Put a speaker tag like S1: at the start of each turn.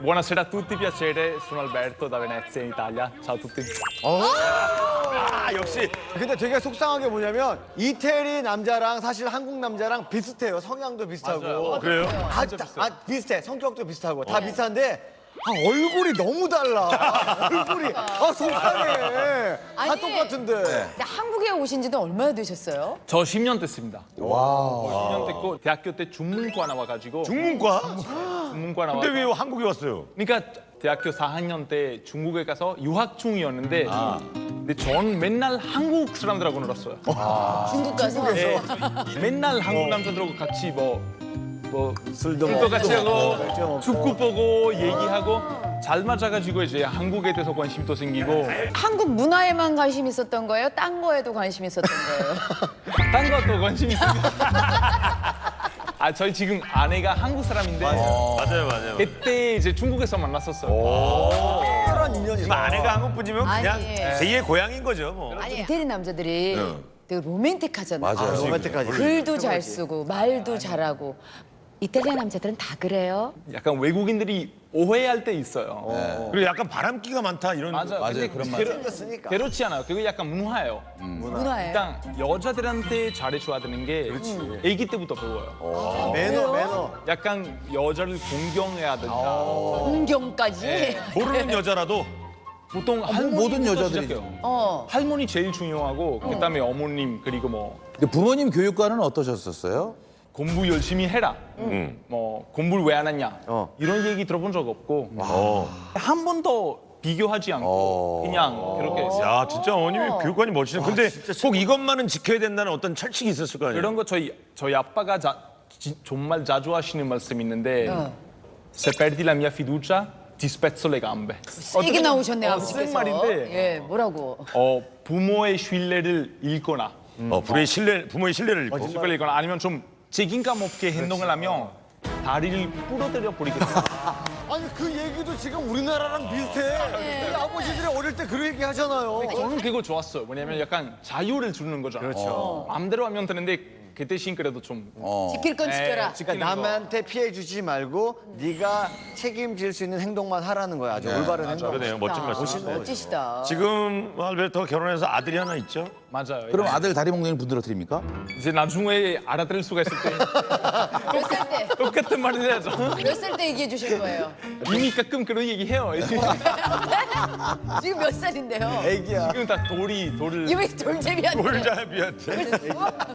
S1: buonasera a tutti, piacere. Sono Alberto da Venezia in Italia. Ciao a tutti.
S2: 아, 역시.
S3: 근데 되게 속상한 게 뭐냐면 이태리 남자랑 사실 한국 남자랑 비슷해요. 성향도 비슷하고.
S1: 맞아요.
S2: 그래요?
S3: 비슷해. 성격도 비슷하고 다 비슷한데 얼굴이 너무 달라. 얼굴이 속상해. 다
S4: 아니,
S3: 똑같은데.
S4: 근데 한국에 오신 지는 얼마나 되셨어요?
S1: 저 10년 됐습니다. 와. 10년 됐고 대학교 때 중문과 나와가지고
S2: 중문과?
S1: 중문과 나와.
S2: 근데 왜 한국에 왔어요?
S1: 그러니까 대학교 4학년 때 중국에 가서 유학 중이었는데 근데 전 맨날 한국 사람들하고 놀았어요.
S4: 중국 가서?
S1: 네, 맨날 한국 남자들하고 같이 뭐
S3: 술도
S1: 술도 같이 하고
S3: 맥주 먹고.
S1: 축구 보고 얘기하고 잘 맞아가지고 이제 한국에 대해서 관심도 생기고
S4: 한국 문화에만 관심 있었던 거예요? 딴 거에도 관심 있었던 거예요?
S1: 딴 것도 관심 있습니다. 저희 지금 아내가 한국 사람인데
S2: 맞아요.
S1: 그때 이제 중국에서 만났었어요.
S3: 특별한 인연이다.
S2: 뭐 아내가 한국 분이면 그냥
S4: 아니.
S2: 제2의 고향인 거죠, 뭐.
S4: 아니, 이태리 남자들이 되게 로맨틱하잖아요.
S3: 로맨틱하지.
S4: 글도 잘 쓰고 말도 잘하고. 이탈리아 남자들은 다 그래요?
S1: 약간 외국인들이 오해할 때 있어요.
S2: 그리고 약간 바람기가 많다, 이런.
S1: 맞아요.
S5: 맞아요, 그런 말.
S3: 생겼으니까.
S1: 그렇지 않아요. 그게 약간 문화예요.
S4: 문화예요?
S1: 일단 여자들한테 잘해줘야 되는 게 아기 때부터 배워요.
S3: 매너.
S1: 약간 여자를 공경해야 된다.
S4: 공경까지?
S2: 모르는 여자라도.
S1: 보통
S5: 모든
S1: 할머니부터
S5: 여자들이.
S1: 시작해요. 할머니 제일 중요하고 그다음에 어머님 그리고 뭐
S5: 근데 부모님 교육과는 어떠셨었어요?
S1: 공부 열심히 해라. 뭐 공부를 왜 안 하냐. 이런 얘기 들어본 적 없고 한 번도 비교하지 않고 그냥 그렇게 했어요.
S2: 야, 진짜 어머님이 교육관이 멋지네. 근데 꼭 이것만은 지켜야 된다는 어떤 철칙이 있었을 거 아니에요?
S1: 이런 거 저희 아빠가 정말 자주 하시는 말씀이 있는데 Se perdi la mia fiducia ti spezzo le gambe.
S4: 세게 나오셨네, 아버지께서.
S1: 쓴 말인데
S4: 예, 뭐라고?
S1: 부모의 신뢰를 잃거나
S2: 부모의 신뢰를 잃고.
S1: 신뢰를 잃거나 아니면 좀 책임감 없게 행동을 하면 다리를 부러뜨려 버리겠다.
S3: 아니 그 얘기도 지금 우리나라랑 비슷해. 우리 아버지들이 어릴 때 그런 얘기 하잖아요.
S1: 저는 그거 좋았어요. 왜냐면 약간 자유를 주는 거잖아요. 그렇죠. 마음대로 하면 되는데 그 대신 그래도 좀
S4: 지킬 건 지켜라.
S3: 그러니까 남한테 피해 주지 말고 네가 책임질 수 있는 행동만 하라는 거야. 아주 올바른 행동.
S2: 그러네요. 멋진 말씀이시네.
S4: 멋지시다.
S2: 지금 알베르토가 결혼해서 아들이 하나 있죠?
S1: 맞아요.
S5: 그럼 아들 다리 먹는 분들어 드립니까?
S1: 이제 나중에 알아들을 수가 있을 때
S4: 몇 살 때?
S1: 똑같은 말을 해야죠.
S4: 몇 살 때 얘기해 주실 거예요?
S1: 이미 가끔 그런 얘기 해요.
S4: 지금 몇 살인데요?
S3: 애기야.
S1: 지금 다 돌을
S4: 이왜 돌잼이한테?
S2: 돌잡이한테.